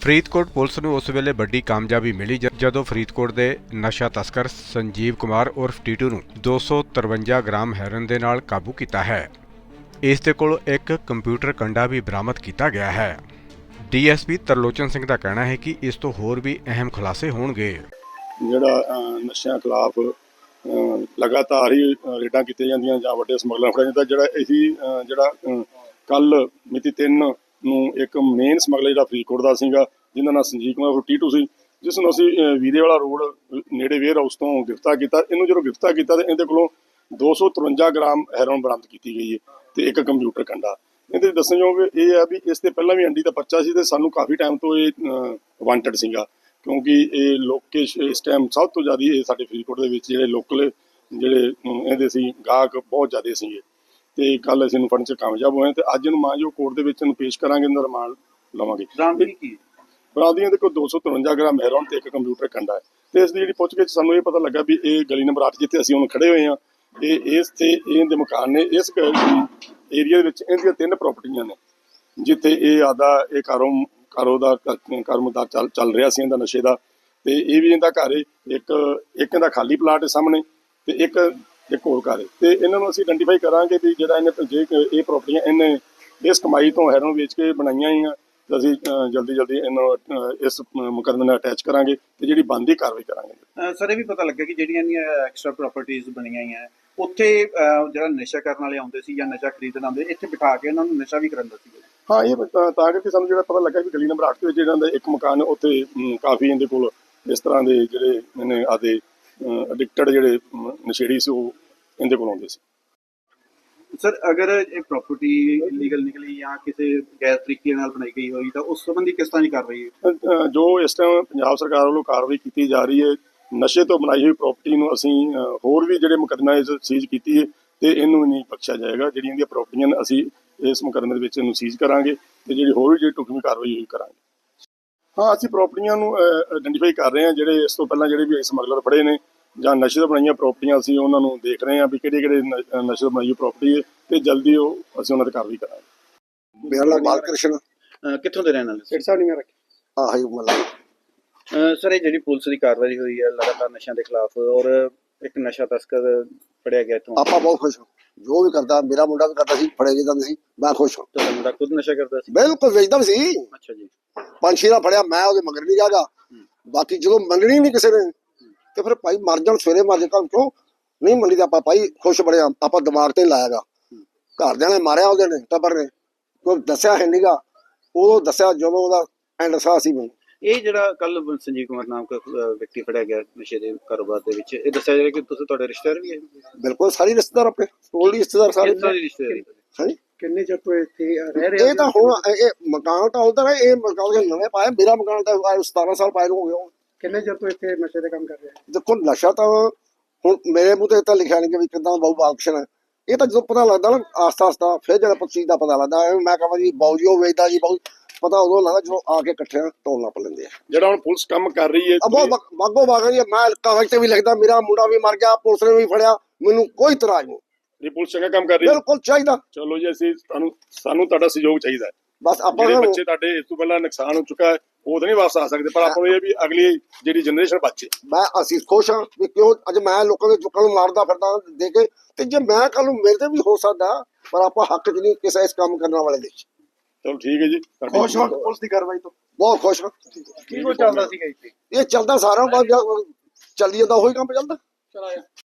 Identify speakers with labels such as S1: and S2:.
S1: Faridkot police ਨੂੰ ਉਸ ਵੇਲੇ ਵੱਡੀ ਕਾਮਯਾਬੀ ਮਿਲੀ ਜਦੋਂ ਫਰੀਦਕੋਟ ਦੇ ਨਸ਼ਾ ਤਸਕਰ ਸੰਜੀਵ ਕੁਮਾਰ ਉਰਫ ਟੀਟੂ ਨੂੰ 253 ਗ੍ਰਾਮ ਹੈਰੋਇਨ ਦੇ ਨਾਲ ਕਾਬੂ ਕੀਤਾ ਹੈ। ਇਸ ਦੇ ਕੋਲ ਇੱਕ ਕੰਪਿਊਟਰ ਕੰਡਾ ਵੀ ਬਰਾਮਦ ਕੀਤਾ ਗਿਆ ਹੈ। ਡੀਐਸਪੀ ਤਰਲੋਚਨ ਸਿੰਘ ਦਾ ਕਹਿਣਾ ਹੈ ਕਿ ਇਸ ਤੋਂ ਹੋਰ ਵੀ ਅਹਿਮ ਖੁਲਾਸੇ ਹੋਣਗੇ।
S2: ਜਿਹੜਾ ਨਸ਼ਿਆਂ ਖਿਲਾਫ ਲਗਾਤਾਰ ਹੀ ਰੇਡਾਂ ਕੀਤੀਆਂ ਜਾਂਦੀਆਂ ਜਾਂ ਵੱਡੇ ਸਮਗਲਰ ਫੜਿਆ ਜਾਂਦਾ। ਜਿਹੜਾ ਕੱਲ ਮਿਤੀ 3 ਨੂੰ ਇੱਕ ਮੇਨ ਸਮਗਲਰ ਜਿਹੜਾ ਫਰੀਦਕੋਟ ਦਾ ਸੀਗਾ, ਜਿਹਦਾ ਨਾਮ ਸੰਜੀਵ ਕੁਮਾਰ ਟੀਟੂ ਸੀ, ਜਿਸ ਨੂੰ ਅਸੀਂ ਵੀਰੇ ਵਾਲਾ ਰੋਡ ਨੇੜੇ ਵੇਅਰ ਹਾਊਸ ਤੋਂ ਗ੍ਰਿਫਤਾਰ ਕੀਤਾ। ਇਹਨੂੰ ਜਦੋਂ ਗ੍ਰਿਫਤਾਰ ਕੀਤਾ ਤਾਂ ਇਹਦੇ ਕੋਲੋਂ 253 ਗ੍ਰਾਮ ਹੈਰੋਇਨ ਬਰਾਮਦ ਕੀਤੀ ਗਈ ਹੈ ਤੇ ਇੱਕ ਕੰਪਿਊਟਰ ਕੰਡਾ। ਇਹਦੇ ਦੱਸਣਯੋਗ ਇਹ ਹੈ ਵੀ ਇਸ ਤੇ ਪਹਿਲਾਂ ਵੀ ਐਨਡੀ ਦਾ ਪਰਚਾ ਸੀ ਤੇ ਸਾਨੂੰ ਕਾਫੀ ਟਾਈਮ ਤੋਂ ਇਹ ਵਾਂਟਡ ਸੀਗਾ, ਕਿਉਂਕਿ ਇਹ ਲੋਕ ਇਸ ਟਾਈਮ ਸਭ ਤੋਂ ਜ਼ਿਆਦਾ ਇਹ ਸਾਡੇ ਫਰੀਦਕੋਟ ਦੇ ਵਿੱਚ ਜਿਹੜੇ ਲੋਕਲ ਇਹਦੇ ਸੀ ਗਾਹਕ ਬਹੁਤ ਜ਼ਿਆਦਾ ਸੀਗੇ ਤੇ ਕੱਲ ਅਸੀਂ ਇਹਨੂੰ ਫੜਨ 'ਚ ਕਾਮਯਾਬ ਹੋਏ ਤੇ ਅੱਜ ਇਹਨੂੰ ਮਾਂਜੋ ਕੋਰਟ ਦੇ ਵਿੱਚ ਇਹਨੂੰ ਪੇਸ਼ ਕਰਾਂਗੇ, ਇਹਦਾ ਰਿਮਾਂਡ ਲਵਾਂਗੇ। ਬਰਾਮਦਗੀ ਦੇ ਕੋਲ 253 ਗ੍ਰਾਮ ਹੈਰੋਇਨ ਤੇ ਇੱਕ ਕੰਪਿਊਟਰ ਕੰਡਾ ਹੈ ਤੇ ਇਸ ਦੀ ਜਿਹੜੀ ਪੁੱਛਗਿੱਛ ਸਾਨੂੰ ਇਹ ਪਤਾ ਲੱਗਾ ਵੀ ਇਹ ਗਲੀ ਨੰਬਰ 8 ਜਿੱਥੇ ਅਸੀਂ ਹੁਣ ਖੜੇ ਹੋਏ ਹਾਂ, ਇਹਦੇ ਮਕਾਨ ਨੇ ਇਸ ਏਰੀਆ ਦੇ ਵਿੱਚ ਇਹਦੀਆਂ 3 ਪ੍ਰਾਪਰਟੀਆਂ ਨੇ ਜਿੱਥੇ ਇਹ ਕਾਰੋਬਾਰ ਚੱਲ ਰਿਹਾ ਸੀ ਇਹਦਾ ਨਸ਼ੇ ਦਾ। ਤੇ ਇਹ ਵੀ ਇਹਦਾ ਘਰ ਇੱਕ ਇਹਦਾ ਖਾਲੀ ਪਲਾਟ ਹੈ ਸਾਹਮਣੇ ਤੇ ਇੱਕ ਹੋਰ ਘਰ ਹੈ ਤੇ ਇਹਨਾਂ ਨੂੰ ਅਸੀਂ ਆਇਡੈਂਟੀਫਾਈ ਕਰਾਂਗੇ ਵੀ ਜਿਹੜਾ ਇਹਨੇ ਇਹ ਪ੍ਰਾਪਰਟੀਆਂ ਇਹਨੇ ਇਸ ਕਮਾਈ ਤੋਂ ਹੈਰੋਇਨ ਵੇਚ ਕੇ ਬਣਾਈਆਂ ਹੀ ਆ ਤੇ ਅਸੀਂ ਜਲਦੀ ਇਹਨੂੰ ਇਸ ਮੁਕੱਦਮੇ ਨਾਲ ਅਟੈਚ ਕਰਾਂਗੇ ਤੇ ਜਿਹੜੀ ਬਣਦੀ ਕਾਰਵਾਈ ਕਰਾਂਗੇ।
S3: ਸਰ ਇਹ ਵੀ ਪਤਾ ਲੱਗਾ ਕਿ ਜਿਹੜੀਆਂ ਐਕਸਟਰਾ ਪ੍ਰਾਪਰਟੀਆਂ ਬਣੀਆਂ ਹੋਈਆਂ ਉੱਥੇ ਜਿਹੜਾ ਨਸ਼ਾ ਕਰਨ ਵਾਲੇ ਆਉਂਦੇ ਸੀ ਜਾਂ ਨਸ਼ਾ ਖਰੀਦਣ ਆਉਂਦੇ, ਇੱਥੇ ਬਿਠਾ ਕੇ ਉਹਨਾਂ ਨੂੰ ਨਸ਼ਾ ਵੀ ਕਰਾਉਂਦਾ ਸੀ।
S2: ਹਾਂ, ਇਹ ਤਾਂ ਕਰਕੇ ਸਾਨੂੰ ਜਿਹੜਾ ਪਤਾ ਲੱਗਾ ਵੀ ਗਲੀ ਨੰਬਰ 8 ਦੇ ਵਿੱਚ ਜਿਹੜਾ ਇੱਕ ਮਕਾਨ ਉੱਥੇ ਕਾਫੀ ਇਹਦੇ ਕੋਲ ਇਸ ਤਰ੍ਹਾਂ ਦੇ ਜਿਹੜੇ ਇਹਨੇ ਆਦੇ ਐਡਿਕਟਡ ਜਿਹੜੇ ਨਸ਼ੇੜੀ ਸੀ ਉਹ ਇਹਦੇ ਕੋਲ ਆਉਂਦੇ ਸੀ।
S3: ਸਰ ਅਗਰ ਇਹ ਪ੍ਰਾਪਰਟੀ ਇਲੀਗਲ ਨਿਕਲੀ ਜਾਂ ਕਿਸੇ ਗੈਰ ਤਰੀਕੇ ਨਾਲ ਬਣਾਈ ਗਈ ਹੋਈ ਤਾਂ ਉਸ ਸੰਬੰਧੀ ਕਿਸ ਤਰ੍ਹਾਂ ਦੀ ਕਾਰਵਾਈ ਹੈ?
S2: ਜੋ ਇਸ ਟਾਈਮ ਪੰਜਾਬ ਸਰਕਾਰ ਵੱਲੋਂ ਕਾਰਵਾਈ ਕੀਤੀ ਜਾ ਰਹੀ ਹੈ, ਨਸ਼ੇ ਤੋਂ ਬਣਾਈ ਹੋਈ ਪ੍ਰਾਪਰਟੀ ਨੂੰ ਅਸੀਂ ਹੋਰ ਵੀ ਜਿਹੜੇ ਮੁਕੱਦਮਾ ਸੀਜ਼ ਕੀਤੀ ਹੈ ਤੇ ਇਹਨੂੰ ਨਹੀਂ ਬਖਸ਼ਿਆ ਜਾਏਗਾ। ਜਿਹੜੀਆਂ ਇਹਦੀਆਂ ਪ੍ਰਾਪਰਟੀਆਂ ਨੇ ਅਸੀਂ ਇਸ ਮੁਕੱਦਮੇ ਦੇ ਵਿੱਚ ਇਹਨੂੰ ਸੀਜ਼ ਕਰਾਂਗੇ ਤੇ ਜਿਹੜੀ ਹੋਰ ਵੀ ਜਿਹੜੀ ਢੁਕਵੀਂ ਕਾਰਵਾਈ ਹੋਈ ਕਰਾਂਗੇ। ਹਾਂ, ਅਸੀਂ ਪ੍ਰਾਪਰਟੀਆਂ ਨੂੰ ਆਇਡੈਂਟੀਫਾਈ ਕਰ ਰਹੇ ਹਾਂ। ਜਿਹੜੇ ਇਸ ਤੋਂ ਪਹਿਲਾਂ ਜਿਹੜੇ ਵੀ ਸਮਗਲਰ ਫੜੇ ਨੇ ਜਾਂ ਨਸ਼ੇ ਤੋਂ ਬਣਾਈਆਂ ਪ੍ਰਾਪਰਟੀਆਂ, ਅਸੀਂ ਉਹਨਾਂ ਨੂੰ ਦੇਖ ਰਹੇ ਹਾਂ ਵੀ ਕਿਹੜੇ ਨਸ਼ੇ ਤੋਂ ਬਣਾਈ ਪ੍ਰਾਪਰਟੀ ਹੈ ਤੇ ਜਲਦੀ ਅਸੀਂ ਉਹਨਾਂ ਤੇ ਕਾਰਵਾਈ ਕਰਾਂਗੇ।
S4: ਮੇਰਾ ਨਾਮ ਬਾਲਕ੍ਰਿਸ਼ਨ।
S3: ਕਿੱਥੋਂ ਦੇ ਰਹਿਣ ਵਾਲੇ? ਸਰ ਇਹ ਜਿਹੜੀ ਪੁਲਿਸ ਦੀ ਕਾਰਵਾਈ ਹੋਈ ਹੈ ਲਗਾਤਾਰ ਨਸ਼ਿਆਂ ਦੇ ਖਿਲਾਫ ਔਰ ਇੱਕ ਨਸ਼ਾ ਤਸਕਰ ਫੜਿਆ ਗਿਆ ਇੱਥੋਂ,
S4: ਆਪਾਂ ਬਹੁਤ ਖੁਸ਼ ਹਾਂ। ਜੋ ਵੀ ਕਰਦਾ, ਮੇਰਾ ਮੁੰਡਾ ਵੀ ਕਰਦਾ ਸੀ, ਫੜੇ ਜਾਂਦੇ ਸੀ, ਮੈਂ ਖੁਸ਼ ਹਾਂ।
S3: ਤੁਹਾਡਾ ਮੁੰਡਾ ਖੁਦ ਨਸ਼ਾ ਕਰਦਾ ਸੀ?
S4: ਬਿਲਕੁਲ ਵੇਚਦਾ ਵੀ ਸੀ।
S3: ਅੱਛਾ ਜੀ।
S4: 5-6 ਦਾ ਫੜਿਆ, ਮੈਂ ਉਹਦੇ ਮਗਰ ਨਹੀਂ ਜਾਗਾ। ਬਾਕੀ ਜਦੋਂ ਮੰਗਣੀ ਨਹੀਂ ਕਿਸੇ ਨੇ ਤੇ ਫਿਰ ਭਾਈ ਮਰ ਜਾਣ, ਸਵੇਰੇ ਮਰ ਜਾ, ਕਿਉਂ ਨਹੀਂ ਮੰਨੀ? ਤਾਂ ਆਪਾਂ ਭਾਈ ਖੁਸ਼ ਬੜੇ ਆ, ਆਪਾਂ ਦਿਮਾਗ ਤੇ ਲਾਇਆਗਾ। ਘਰਦਿਆਂ ਨੇ ਮਾਰਿਆ ਉਹਦੇ ਨੇ, ਟੱਬਰ ਨੇ, ਕੋਈ ਦੱਸਿਆ ਹੈ ਨੀਗਾ। ਉਦੋਂ ਦੱਸਿਆ ਜਦੋਂ ਉਹਦਾ ਐਂਡ ਸਾਹ ਸੀ। ਮੈਨੂੰ
S3: ਇਹ ਜਿਹੜਾ ਕੱਲ ਸੰਜੀਵ ਕੁਮਾਰ ਨਾਮ ਦਾ ਵਿਅਕਤੀ ਫੜਿਆ ਗਿਆ ਨਸ਼ੇ ਦੇ ਕਾਰੋਬਾਰ ਦੇ ਵਿੱਚ, ਇਹ ਦੱਸਿਆ ਜਾ ਰਿਹਾ ਕਿ ਤੁਸੀਂ ਤੁਹਾਡੇ ਰਿਸ਼ਤੇਦਾਰ ਵੀ ਹੈ?
S4: ਬਿਲਕੁਲ, ਸਾਰੇ ਰਿਸ਼ਤੇਦਾਰ, ਆਪਣੇ ਟੋਲੀ ਰਿਸ਼ਤੇਦਾਰ ਸਾਰੇ।
S3: ਹਾਂਜੀ।
S4: ਕਿੰਨੇ ਚਿਰ ਤੋਂ ਇੱਥੇ ਰਹਿ ਰਹੇ? ਇਹ ਤਾਂ ਹੁਣ ਇਹ ਮਕਾਨ ਤਾਂ ਉਹਦਾ ਹੈ, ਇਹ ਮਕਾਨ ਨਵੇਂ ਪਾਇਆ। ਮੇਰਾ ਮਕਾਨ ਤਾਂ 17 ਸਾਲ ਪਾਇਆ ਨੂੰ ਹੋ ਗਿਆ।
S5: ਕਿੰਨੇ ਚਿਰ ਤੋਂ ਇੱਥੇ ਨਸ਼ੇ ਦੇ ਕੰਮ ਕਰ ਰਹੇ?
S4: ਦੇਖੋ, ਨਸ਼ਾ ਤਾਂ ਹੁਣ ਮੇਰੇ ਮੂੰਹ ਤੇ ਤਾਂ ਲਿਖਿਆ ਨਹੀਂ ਕਿ ਵੀ ਕਿੱਦਾਂ ਬਾਊ ਬਾਲਕ੍ਰਿਸ਼ਨ ਹੈ। ਇਹ ਤਾਂ ਜਦੋਂ ਪਤਾ ਲੱਗਦਾ ਨਾ ਆਸਤਾ ਫਿਰ ਜਦੋਂ ਚੀਜ਼ ਦਾ ਪਤਾ ਲੱਗਦਾ। ਮੈਂ ਕਹਾਂ ਜੀ ਬਾਊ ਜੀ ਉਹ ਵੇਚਦਾ ਜੀ, ਬਾਊ ਪਤਾ ਉਦੋਂ ਲੱਗਦਾ ਜਦੋਂ ਆ ਕੇ ਇਕੱਠਿਆਂ ਢੋਲ ਨੱਪ ਲੈਂਦੇ ਆ।
S2: ਜਿਹੜਾ ਹੁਣ ਪੁਲਿਸ ਕੰਮ ਕਰ ਰਹੀ ਹੈ
S4: ਬਾਗੋ ਬਾਗ ਜੀ, ਮੈਂ ਕਾਗਜ਼ ਤੇ ਵੀ ਲਿਖਦਾ ਮੇਰਾ ਮੁੰਡਾ ਵੀ ਮਰ ਗਿਆ, ਪੁਲਿਸ ਨੇ ਵੀ ਫੜਿਆ, ਮੈਨੂੰ ਕੋਈ ਇਤਰਾਜ਼ ਨਹੀਂ।
S2: ਇਹ ਪੁਲਿਸ ਚੰਗਾ ਕੰਮ ਕਰ ਰਹੀ ਹੈ,
S4: ਬਿਲਕੁਲ ਚਾਹੀਦਾ।
S2: ਚਲੋ ਜੀ, ਸਾਨੂੰ ਤੁਹਾਡਾ ਸਹਿਯੋਗ ਚਾਹੀਦਾ ਹੈ।
S4: ਬਸ ਆਪਾਂ
S2: ਬੱਚੇ ਤੁਹਾਡੇ ਇਸ ਤੋਂ ਪਹਿਲਾਂ ਨੁਕਸਾਨ ਹੋ ਚੁੱਕਾ ਹੈ, ਉਹ ਤਾਂ ਨਹੀਂ ਵਾਪਸ ਆ ਸਕਦੇ, ਪਰ ਆਪਾਂ ਨੂੰ ਇਹ ਵੀ ਅਗਲੀ ਜਿਹੜੀ ਜਨਰੇਸ਼ਨ ਬਚੇ।
S4: ਅਸੀਂ ਖੁਸ਼ ਹਾਂ ਵੀ ਕਿਉਂ ਅੱਜ ਮੈਂ ਲੋਕਾਂ ਦੇ ਚੁੱਕਾਂ ਨੂੰ ਮਾਰਦਾ ਫਿਰਦਾ ਦੇ ਕੇ, ਤੇ ਜੇ ਮੈਂ ਕੱਲ ਨੂੰ ਮੇਰੇ ਤੇ ਵੀ ਹੋ ਸਕਦਾ, ਪਰ ਆਪਾਂ ਹੱਕ 'ਚ ਨਹੀਂ ਕਿਸੇ ਇਸ ਕੰਮ ਕਰਨ ਵਾਲੇ ਦੇ।
S2: ਚਲੋ ਠੀਕ ਹੈ ਜੀ,
S5: ਖੁਸ਼ ਹਾਂ ਪੁਲਿਸ ਦੀ ਕਾਰਵਾਈ ਤੋਂ,
S4: ਬਹੁਤ ਖੁਸ਼ ਹਾਂ।
S3: ਕੀ ਕੁਝ ਚੱਲਦਾ ਸੀਗਾ ਇੱਥੇ?
S4: ਇਹ ਚੱਲਦਾ ਸਾਰਾ ਚੱਲੀ ਜਾਂਦਾ, ਉਹੀ ਕੰਮ ਚੱਲਦਾ।